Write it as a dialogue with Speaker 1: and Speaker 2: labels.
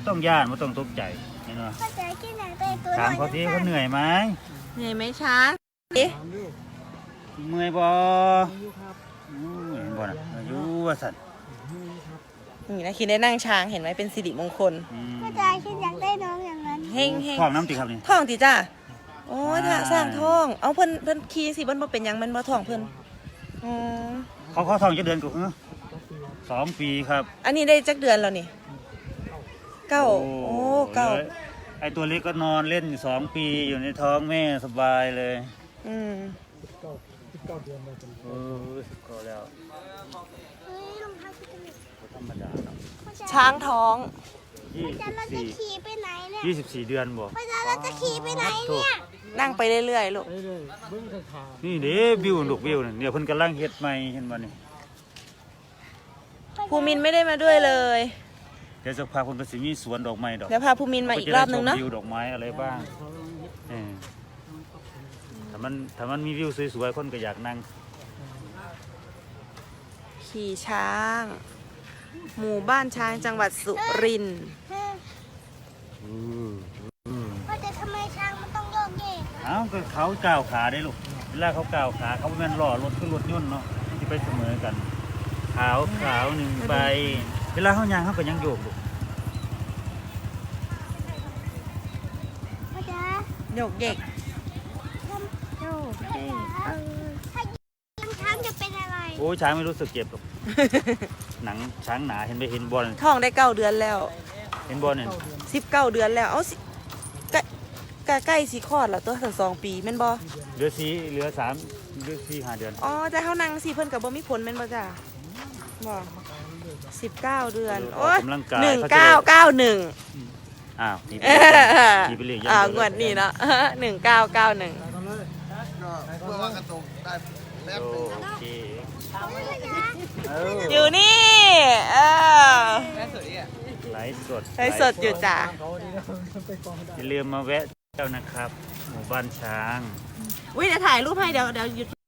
Speaker 1: ต้องย่านไม่ต้องตกใจเห็นไหมถามเขาที่เขาเหนื่อยไหม
Speaker 2: เหนื่อยไหมช้างเอ๊ะ
Speaker 1: เมื่อยบ่เห็นบ่น่ะอายุว่าสัตว์
Speaker 2: นี่นะคิดได้นั่งช้างเห็นไหมเป็นสิริมงคล
Speaker 3: พ่อจ๋าคิดอยากได้น้องอย่างนั้น
Speaker 2: เฮงเฮง
Speaker 1: ท้องน้ำติครับนี่
Speaker 2: ท่องติจ้าโอ้ยถ้าสร้างท่องเอาเพิ่นขี่สิเพิ่นบ่เป็นหยังมันบ่ท่องเพิ่นอ๋อ
Speaker 1: เขาท้องจะเดือนกู2 ปีครับ
Speaker 2: อันนี้ได้จักเดือนแล้วนี่เก้าโอ้เก้า
Speaker 1: ไอตัวเล็กก็นอนเล่นอยู่2 ปีอยู่ในท้องแม่สบายเลย
Speaker 2: อืม
Speaker 1: ก็แล้ว
Speaker 3: เฮ้ยรองเท้าพี่จะมี
Speaker 1: ธรรมดาเนาะ
Speaker 2: ช้างท้อง
Speaker 3: พ่อจ๋าเราจะขี่ไปไหนเนี่ย
Speaker 1: 24 เดือนบ่
Speaker 3: พ่อจ๋าเราจะขี่ไปไหนเนี่ย
Speaker 2: นั่งไปเรื่อยๆลูก
Speaker 1: นี่เด้วิวลูกวิวเนี่ยเพิ่นกำลังเฮ็ดใหม่เห็นบ่นี่
Speaker 2: ภูมินไม่ได้มาด้วยเลย
Speaker 1: เดี๋ยวจะพาคนไปสิมีสวนดอกไม้ดอก
Speaker 2: เดี๋ยวพาภูมินมาอีกรอบนึงเนาะ
Speaker 1: วิวดอกไม้อะไรบ้างถ้ามันมีวิวสวยๆคนก็อยากนั่ง
Speaker 2: ขี่ช้าง หมู่บ้านช้างจังหวัดสุรินทร์
Speaker 3: พ่อจ๋าทำไมช้างมันต้องโยกเยก
Speaker 1: เอ้าก็เขาก้าวขาได้ลูกเวลาเขาก้าวขาเขาไม่แม่นล้อรถขึ้นรถยนต์เนาะที่ไปเสมอกันขาวหนึ่งใบเวลาเขาย่างเขาก็ยังโยกลูก
Speaker 3: พ่อจ๋า
Speaker 2: โยกเยก
Speaker 3: โยกเยกถ้ายิงช้างจะเป็นอะไร
Speaker 1: โอ้ช้างไม่รู้สึกเจ็บหรอก หนังช้างหนาเห็นไปเห็นบอล
Speaker 2: ท้องได้9 เดือนแล้ว
Speaker 1: เห็นบอลเนี่ย
Speaker 2: 19 เดือนแล้ว เอาสิใกล้สิคลอดแล้วตัวทั้ง2 ปีแม่นบ่
Speaker 1: เหลือ4 5 เดือน
Speaker 2: อ๋อแต่เฮานั่งสิเพิ่นก็บ่มีผลแม่นบ่จ้าบ่19 เดือนโอ้ย
Speaker 1: กำลังกาย
Speaker 2: 1991
Speaker 1: อ้าวนี่ไปเรียก
Speaker 2: งวดนี้เนาะ 1991
Speaker 4: เพื่อว่ากระตุกได้แป๊บ
Speaker 1: โอ
Speaker 4: นึง
Speaker 1: เค
Speaker 2: อยู่นี่
Speaker 1: ไลฟ์สด
Speaker 2: ไลฟ์สดอยู่จ้า
Speaker 1: อย่าลืมมาแวะเจ้านะครับ หมู่บ้านช้าง
Speaker 2: อุ้ยเดี๋ยวถ่ายรูปให้เดี๋ยวหยุด